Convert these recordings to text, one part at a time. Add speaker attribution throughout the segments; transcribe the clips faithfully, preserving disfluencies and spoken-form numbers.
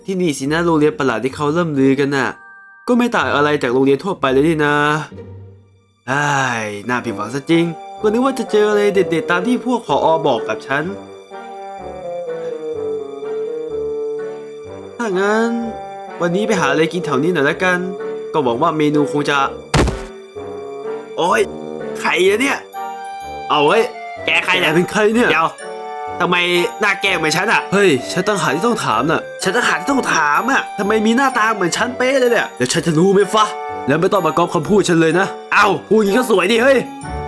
Speaker 1: ที่นี่สินะโรงเรียนประหลาดที่เขาเริ่มลือกันน่ะก็ไม่ต่างอะไรจากโรงเรียนทั่วไปเลยนี่นะไอ้น่าผิดหวังซะจริงก็นึกว่าจะเจออะไรเด็ดๆตามที่พวกผอ.บอกกับฉันถ้างั้นวันนี้ไปหาอะไรกินแถวนี้หน่อยละกันก็หวังว่าเมนูคงจะโอ้ยใครเนี่ยเอาเว้ยแกใครเนี่ยเป็นใครเนี่ยเดี๋ยวทำไมหน้าแกเหมือนฉันอ่ะเฮ้ยฉันตั้งหากที่ต้องถามน่ะฉันตั้งหากที่ต้องถามอ่ะทำไมมีหน้าตาเหมือนฉันเป๊ะเลยเนี่ยเดี๋ยวฉันจะรู้ไหมฟะแล้วไม่ต้องมาก๊อปคำพูดฉันเลยนะเอ้าพูดอย่างนี้ก็สวยดิเฮ้ย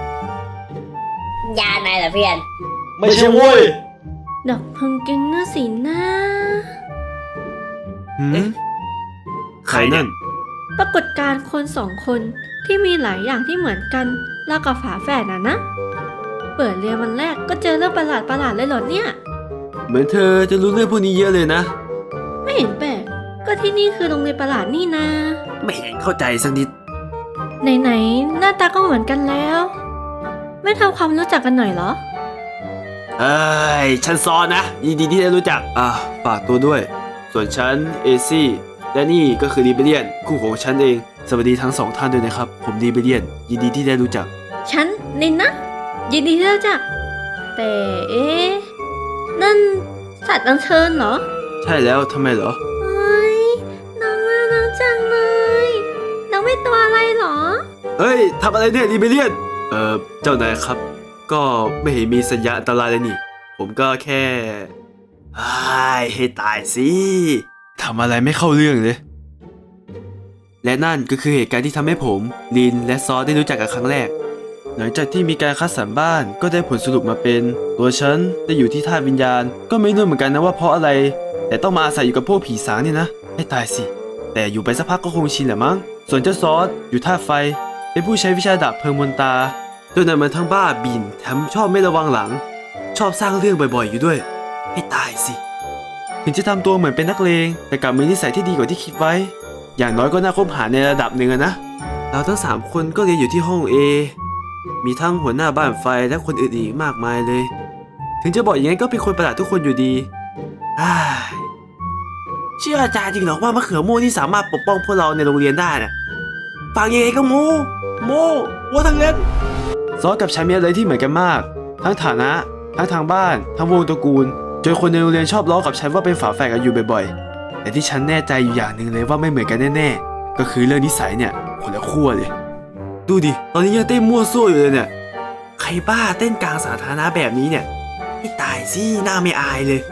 Speaker 2: ยานายเหรอเพื่อน
Speaker 1: ไม่ใช่โว้ย
Speaker 3: ดอกพังเก่งน่าสีหน้า
Speaker 1: หืมใครนั่น
Speaker 3: ปรากฏการณ์คนสองคนที่มีหลายอย่างที่เหมือนกันแล้วกับฝาแฝดน่ะนะเปิดเรียนวันแรกก็เจอเรื่องประหลาดประหลาดเลยเหรอเนี่ย
Speaker 1: เหมือนเธอจะรู้เรื่องพวกนี้เยอะเลยนะ
Speaker 3: ไม่เห็นแปลกก็ที่นี่คือโรงเรียนประหลาดนี่นะ
Speaker 1: ไม่เห็นเข้าใจสักนิด
Speaker 3: ไหนๆหน้าตาก็เหมือนกันแล้วไม่ทำความรู้จักกันหน่อยเหรอ
Speaker 1: เอ้ยฉันซอนนะยินดีที่ได้รู้จักอ่ะฝากตัวด้วยส่วนฉันเอซี่และนี่ก็คือดีเบเลียนคู่ของฉันเองสวัสดีทั้งสองท่านด้วยนะครับผมดีเบเลียนยินดีที่ได้รู้จัก
Speaker 3: ฉันนินนะยินดีที่ได้รู้จักแต่เอ๊ะนั่นสัตว์อัญเชิญเหรอ
Speaker 1: ใช่แล้วทำไมเหรอ
Speaker 3: เฮ้ยน้องน่ารักจังเลยน้องเป็นตัวอะไรเหรอ
Speaker 1: เฮ้ยทำอะไรเนี่ยดีเบเลียนเอ่อเจ้านายครับก็ไม่เห็นมีสัญญาณอันตรายเลยนี่ผมก็แค่ให้ตายสิทำอะไรไม่เข้าเรื่องเลยและนั่นก็คือเหตุการณ์ที่ทำให้ผมลินและซอสได้รู้จักกันครั้งแรกหลังจากที่มีการคัดสรรบ้านก็ได้ผลสรุปมาเป็นตัวฉันได้อยู่ที่ธาตุวิญญาณก็ไม่รู้เหมือนกันนะว่าเพราะอะไรแต่ต้องมาอาศัยอยู่กับพวกผีสางนี่นะให้ตายสิแต่อยู่ไปสักพักก็คงชินแหละมั้งส่วนเจ้าซอสอยู่ธาตุไฟเป็นผู้ใช้วิชาดาบเพลิงมนตาโดยนั้นมันทั้งบ้าบินแถมชอบไม่ระวังหลังชอบสร้างเรื่องบ่อยๆอยู่ด้วยให้ตายสิถึงจะทำตัวเหมือนเป็นนักเลงแต่กลับมีนิสัยที่ดีกว่าที่คิดไว้อย่างน้อยก็น่าคบหาในระดับหนึ่งนะเราทั้งสามคนก็เรียนอยู่ที่ห้อง A มีทั้งหัวหน้าบ้านไฟและคนอื่นอีกมากมายเลยถึงจะบอกอย่างนั้นก็เป็นคนประหลาดทุกคนอยู่ดีเชื่ออาจารย์จริงหรอว่ามะเขือโม่ที่สามารถปกป้องพวกเราในโรงเรียนได้น่ะฟังยังไงก็โมโมว่าทั้งนั้นซอสกับฉันมีอะไรที่เหมือนกันมากทั้งฐานะทั้งทางบ้านทั้งวงตระกูลจนคนในโรงเรียนชอบล้อกับฉันว่าเป็นฝาแฝดกันอยู่บ่อยๆแต่ที่ฉันแน่ใจอยู่อย่างหนึ่งเลยว่าไม่เหมือนกันแน่ๆก็คือเรื่องนิสัยเนี่ยคนละขั้วเลยดูดิตอนนี้ยังเต้นมั่วซั่วอยู่เลยเนี่ยใครบ้าเต้นกลางสาธารณะแบบนี้เนี่ยให้ตายสิหน้าไม่อายเลย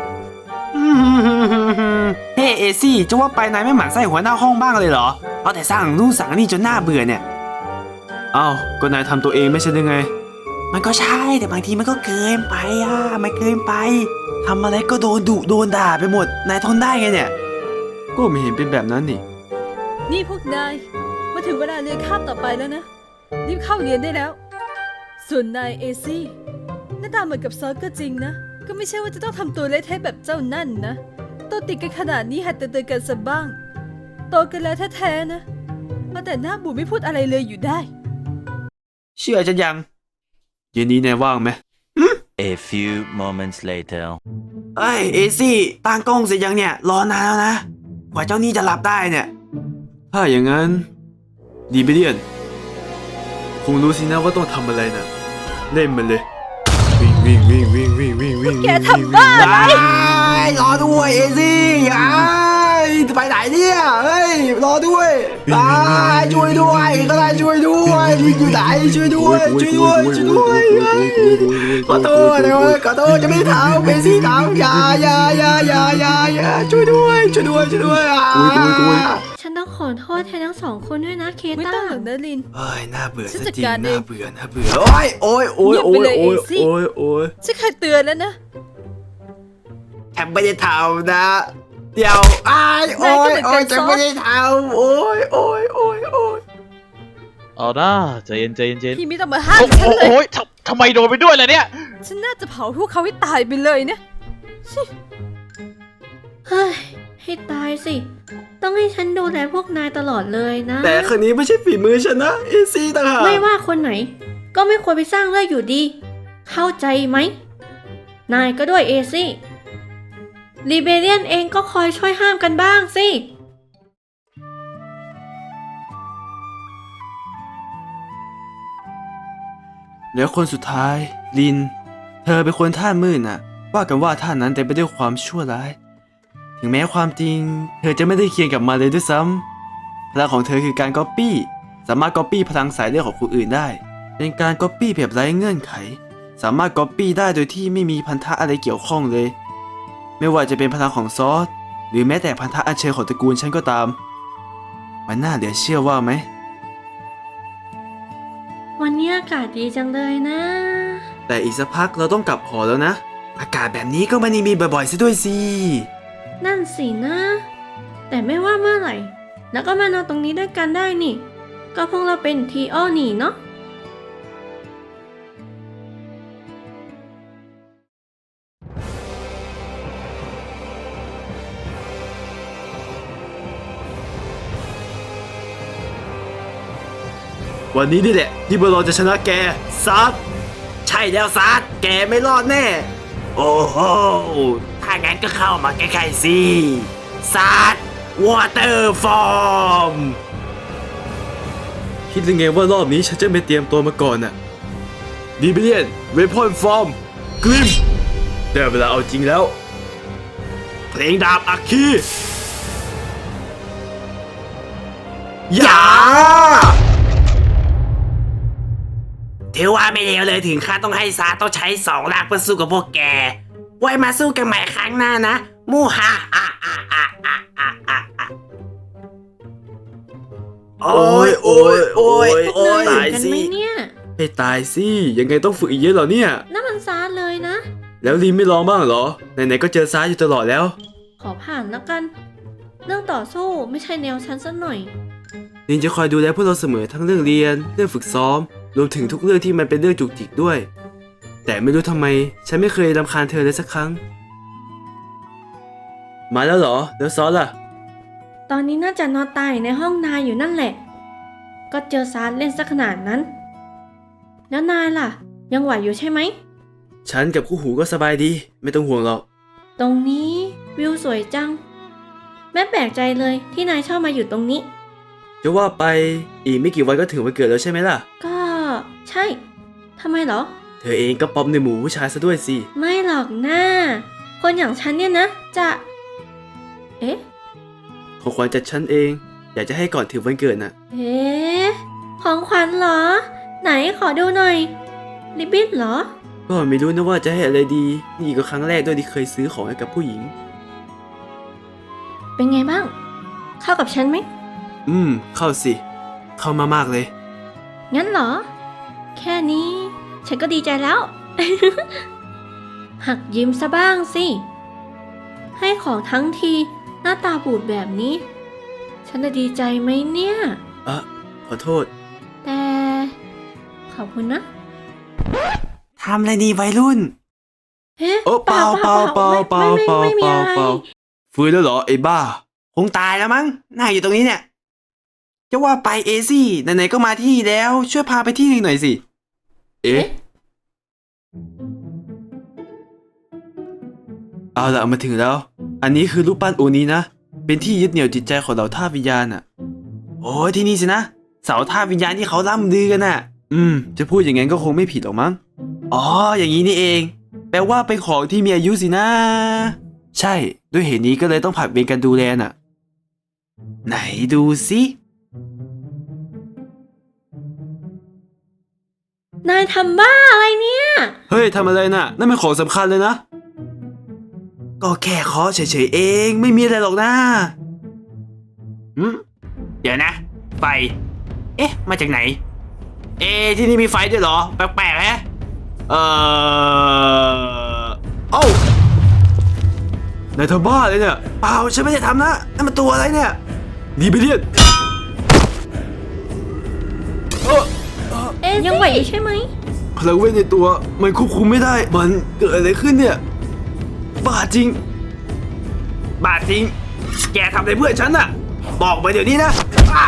Speaker 1: เฮ้เอซี่จะว่าไปนายไม่หมั่นไส้หัวหน้าห้องบ้างเลยเหรอเอาแต่สร้างนู่นสั่งนี่จนหน้าเบื่อเนี่ยอ้าวก็นายทำตัวเองไม่ใช่หรือไงมันก็ใช่แต่บางทีมันก็เกินไปอ่ะมันเกินไปทำอะไรก็โดนดุโดนด่าไปหมดนายทนได้ไงเนี่ยก็ไม่เห็นเป็นแบบนั้นนี่
Speaker 4: นี่พวกนายมาถึงเวลาเรียนคาบต่อไปแล้วนะรีบเข้าเรียนได้แล้วส่วนนายเอซี่หน้าตาเหมือนกับซอสก็จริงนะก็ไม่ใช่ว่าจะต้องทำตัวเละเทะแบบเจ้านั่นนะโตติดกันขนาดนี้หัดเตือนกันสักบ้างโตกันแล้วแท้ๆนะมาแต่หน้าบูดไม่พูดอะไรเลยอยู่ได้
Speaker 1: เชื่อฉันยังเย็นนี้นายว่างไหม
Speaker 5: A few moments later
Speaker 1: เอ้ยเอซี่ตั้งกล้องเสร็จยังเนี่ยรอนานแล้วนะกว่าเจ้านี่จะหลับได้เนี่ยถ้าอย่างนั้นดีเบเลียนคงรู้สินะว่าต้องทำอะไรนะเล่นมันเลยวิ่งวิ่งวิ่งวิ่งวิ่งวิ่งวิ่ง
Speaker 4: แกทำบ้าอะไร
Speaker 1: รอด้วยเอซี่ไอ้จะไปไหนเนี่ยเฮ้ยรอด้วยช่วยด้วยก็ได้ช่วยด้วยลิงอยู่ไหนช่วยด้วยช่วยด้วยช่วยด้วยขอโทษนะขอโทษจะไม่ทำเอซี่ทำอย่าอย่าอย่าอย่าอย่าอย่าช่วยด้วยช่วยด้วยช่วยด้วย
Speaker 3: ฉันต้องขอโทษแทนทั้งสองคนด้วยนะเคต้า
Speaker 4: ไม่ต้องหรอกนะลิน
Speaker 1: เอ้ยน่าเบื่อจริงน่าเบื่อน่าเบื่อโอ้ยโอ้ยโอ้ยโอ้ยโอ้ยโอ้ยโอ้ย
Speaker 4: ฉันเคยเตือนแล้วนะ
Speaker 1: แอบไม่ได้ทำนะเดี๋ยวอ้ายโอ้ยโอ้ยจะไม่ได้ทำโอ้ยโอ้ยโอ้ยโอ้ย
Speaker 6: เอาหน้าใจเย็นใจเย็น
Speaker 4: พี่ไม่ต้องมาห้ามฉันเลย
Speaker 6: โอ้ยทำไมโดนไปด้วยล่ะเนี่ย
Speaker 4: ฉันน่าจะเผาพวกเขาให้ตายไปเลยนะ
Speaker 3: เฮ้ยให้ตายสิต้องให้ฉันดูแลพวกนายตลอดเลยนะ
Speaker 1: แต่คนนี้ไม่ใช่ฝีมือฉันนะเอซี่ต่างหาก
Speaker 3: ไม่ว่าคนไหนก็ไม่ควรไปสร้างเรื่องอยู่ดีเข้าใจไหมนายก็ด้วยเอซี่รีเบเลียนเองก็คอยช่วยห้ามกันบ้างสิ
Speaker 1: แล้วคนสุดท้ายลิน เธอเป็นคนท่ามืดน่ะ ว่ากันว่าท่านั้นเต็มไปด้วยความชั่วร้าย ถึงแม้ความจริง เธอจะไม่ได้เคียงกับมาเลยด้วยซ้ำพลังของเธอคือการก๊อปปี้ สามารถก๊อปปี้พลังสายเลือดของคนอื่นได้ เป็นการก๊อปปี้แบบไร้เงื่อนไข สามารถก๊อปปี้ได้โดยที่ไม่มีพันธะอะไรเกี่ยวข้องเลย ไม่ว่าจะเป็นพลังของซอส หรือแม้แต่พันธะอัญเชิญของตระกูลฉันก็ตาม มันน่าเหลือเชื่อว่าไหม
Speaker 3: วันนี้อากาศดีจังเลยนะ
Speaker 1: แต่อีกสักพักเราต้องกลับหอแล้วนะ อากาศแบบนี้ก็ไม่ได้มีบ่อยๆซะด้วยสิ
Speaker 3: นั่นสินะ แต่ไม่ว่าเมื่อไหร่ แล้วก็มานอนตรงนี้ด้วยกันได้นี่ ก็พวกเราเป็นทีโอนี่เนาะ
Speaker 1: วันนี้นี่แหละที่พวกเราจะชนะแกซัดใช่แล้วซัดแกไม่รอดแน่ โอ้โหถ้างั้นก็เข้ามาใกล้ๆสิซัดวอเตอร์ฟอร์มคิดยังไงว่ารอบนี้ฉันจะไม่เตรียมตัวมาก่อนน่ะดีเบเลียนเวพอนฟอร์มกริมได้เวลาเอาจริงแล้ว เพลงดาบอัคคีอย่าถือว่าไม่เลวเลยถึงขั้นต้องให้ซาต้องใช้สองร่างเพื่อสู้กับพวกแก ไว้มาสู้กันใหม่ครั้งหน้านะ มูฮาอ่ะอ่ะอ่ะอ่ะอ่ะอ่ะอ่ะโอ้ยโอ้ยโอ้ยโอ้ย
Speaker 3: เหนื่
Speaker 1: ตา
Speaker 3: อย
Speaker 1: ย
Speaker 3: กัน
Speaker 1: สิ
Speaker 3: ไหมเนี่ย
Speaker 1: ให้ตายสิ ยังไงต้องฝึกอีกเยอะเหรอเนี่ย
Speaker 3: นั่นมันซาร์เลยนะ
Speaker 1: แล้วลีนไม่ลองบ้างเหรอ ไหนๆก็เจอซาอยู่ตลอดแล้ว
Speaker 3: ขอผ่านแล้วกัน เรื่องต่อสู้ไม่ใช่แนวฉันสักหน่อย
Speaker 1: ลินจะคอยดูแลพวกเราเสมอทั้งเรื่องเรียน เรื่องฝึกซ้อม รวมถึงทุกเรื่องที่มันเป็นเรื่องจุกจิกด้วย แต่ไม่รู้ทำไม ฉันไม่เคยรำคาญเธอเลยสักครั้ง มาแล้วเหรอ แล้วซอสล่ะ
Speaker 3: ตอนนี้น่าจะนอนตายในห้องนายอยู่นั่นแหละ ก็เจอซาร์เล่นสักขนาดนั้น แล้วนายล่ะ ยังไหวอยู่ใช่ไหม
Speaker 1: ฉันกับคู่หูก็สบายดี ไม่ต้องห่วงหรอก
Speaker 3: ตรงนี้วิวสวยจัง แม่แปลกใจเลยที่นายชอบมาอยู่ตรงนี้
Speaker 1: จะว่าไปอีกไม่กี่วันก็ถึงวันเกิดแล้วใช่ไหมล่ะ
Speaker 3: ก็ใช่ทำไมเหรอ
Speaker 1: เธอเองก็ป๊อปในหมู่ผู้ชายซะด้วยสิ
Speaker 3: ไม่หรอกนะ คนอย่างฉันเนี่ยนะ จะ เอ๊ะ
Speaker 1: ของขวัญจากฉันเอง อยากจะให้ก่อนถึงวันเกิดน่ะ
Speaker 3: เอ๊ะ ของขวัญเหรอ ไหนขอดูหน่อยริบบิ้นเหรอ
Speaker 1: ก็ไม่รู้นะว่าจะให้อะไรดี นี่ก็ครั้งแรกด้วยที่เคยซื้อของให้กับผู้หญิง
Speaker 3: เป็นไงบ้าง เข้ากับฉันไหม
Speaker 1: อืม เข้าสิ เข้ามามากเลย
Speaker 3: งั้นเหรอ แค่นี้ ฉันก็ดีใจแล้ว หักยิ้มซะบ้างสิ ให้ของทั้งทีหน้าตาบูดแบบนี้ ฉันจะดีใจไหมเนี่ย
Speaker 1: อ่ะ ขอโทษ
Speaker 3: แต่ ขอบคุณนะ
Speaker 1: ทำอะไรดีวัยรุ่น
Speaker 3: เอ๊ะ
Speaker 1: โอ้เปล่าเปล่าเปล่าเปล่า
Speaker 3: ไม่
Speaker 1: เปล่า
Speaker 3: ไม่ไม่
Speaker 1: เป
Speaker 3: มี
Speaker 1: ล่า
Speaker 3: อะไร
Speaker 1: เปล่าฟื้นแล้วเหรอไอ้บ้า คงตายแล้วมั้งน่าอยู่ตรงนี้เนี่ย จะว่าไปเอซี่ไหนๆก็มาที่นี่แล้ว ช่วยพาไปที่หนึ่งหน่อยสิ เอ๊ะ เอาละมาถึงแล้ว อันนี้คือรูปปั้นโอนี้นะ เป็นที่ยึดเหนี่ยวจิตใจของเหล่าท่าสวิญญาณอ่ะ โอ้ยที่นี่สินะ เสาท่าสวิญญาณที่เขาล่ำลือกันน่ะ อืม จะพูดอย่างนั้นก็คงไม่ผิดหรอกมั้ง อ๋อ อย่างนี้นี่เอง แปลว่าเป็นของที่มีอายุสินะ ใช่ ด้วยเหตุนี้ก็เลยต้องผลัดเวรกันดูแลน่ะ ไหนดูสิ
Speaker 3: นายทำบ้าอะไรเนี่ย
Speaker 1: เฮ้ยทำอะไรน่ะ นั่นเป็นของสำคัญเลยนะ ก็แค่เคาะเฉยๆเอง ไม่มีอะไรหรอกนะหืมเดี๋ยวนะ ไฟ เอ๊ะ มาจากไหน เอ๊ะที่นี่มีไฟด้วยเหรอ แปลกๆฮะ เอ่อเอ้านายทำบ้าเลยเนี่ย เปล่า ฉันไม่ได้ทำนะนั่นมันตัวอะไรเนี่ยดีเบเลียนเออ
Speaker 3: เอ๊ะยังไหวอยู่ใช่ไหม
Speaker 1: พลังเวทในตัวมันควบคุมไม่ได้ มันเกิดอะไรขึ้นเนี่ย บ้าจริง บ้าจริง แกทำอะไรเพื่อนฉันน่ะ บอกมาเดี๋ยวนี้นะอ่ะ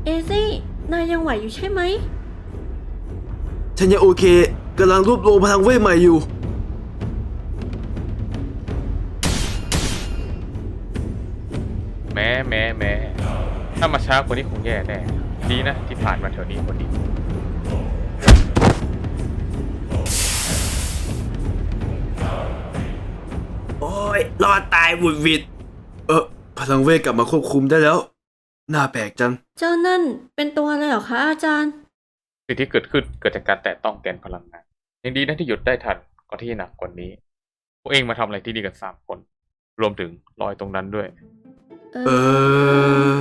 Speaker 3: เอซี่ นายยังไหวอยู่ใช่ไหม
Speaker 1: ฉันยังโอเคกำลังรวบรวมพลังเวทใหม่อยู่
Speaker 2: แม้แม้แม้ถ้ามาช้ากว่านี้คงแย่แน่ดีนะที่ผ่านมาแถวนี้พอดี
Speaker 1: โอ้ยรอดตายหวุดหวิด เออพลังเวทกลับมาควบคุมได้แล้ว น่าแปลกจัง
Speaker 3: เจ้านั่นเป็นตัวอะไรเหรอคะอาจารย์
Speaker 2: สิ่งที่เกิดขึ้นเกิดจากการแตะต้องแกนพลังงานยังดีนะที่หยุดได้ทันก่อนที่จะหนักกว่านี้พวกเองมาทำอะไรที่นี่กันสามคน รวมถึงรอยตรงนั้นด้วย
Speaker 1: เออ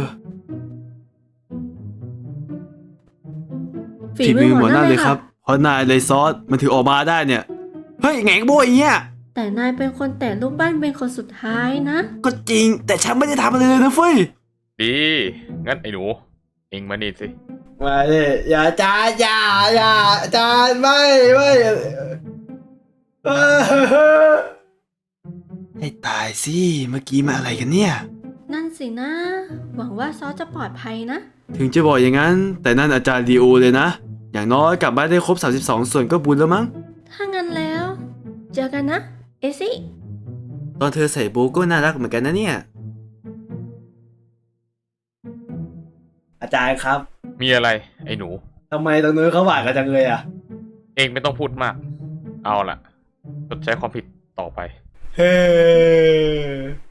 Speaker 1: ฝีมือหมอนั่นเลยครับ เพราะนายเลยซอสมันถือออกมาได้เนี่ย เฮ้ยแหงโบยเนี่ย
Speaker 3: แต่นายเป็นคนแต่รูปบ้านเป็นคนสุดท้ายนะ
Speaker 1: ก็จริง แต่ฉันไม่ได้ทำอะไรเลยนะเฟ้ย
Speaker 2: ดี งั้นไอ้หนู เองมานี่สิ
Speaker 1: มาเลยอย่าจานอย่าอย่าจานไม่ไม่เออให้ตายสิเมื่อกี้มาอะไรกันเนี่ย
Speaker 3: นั่นสินะ หวังว่าซอสจะปลอดภัยนะ
Speaker 1: ถึงจะบอกอย่างนั้น แต่นั่นอาจารย์ดีโอเลยนะ อย่างน้อยกลับบ้านได้ครบสามสิบสองส่วนก็บุญแล้วมั้ง
Speaker 3: ถ้างั้นแล้ว เจอกันนะ เอซี่
Speaker 1: ตอนเธอใส่โบก็น่ารักเหมือนกันนะเนี่ย อาจารย์ครับ
Speaker 2: มีอะไร ไอ้หนู
Speaker 1: ทำไมตรงนู้นเขาหวานกันจังเลยอ่ะ
Speaker 2: เองไม่ต้องพูดมาก เอาล่ะชดใช้ความผิดต่อไป
Speaker 1: เฮ้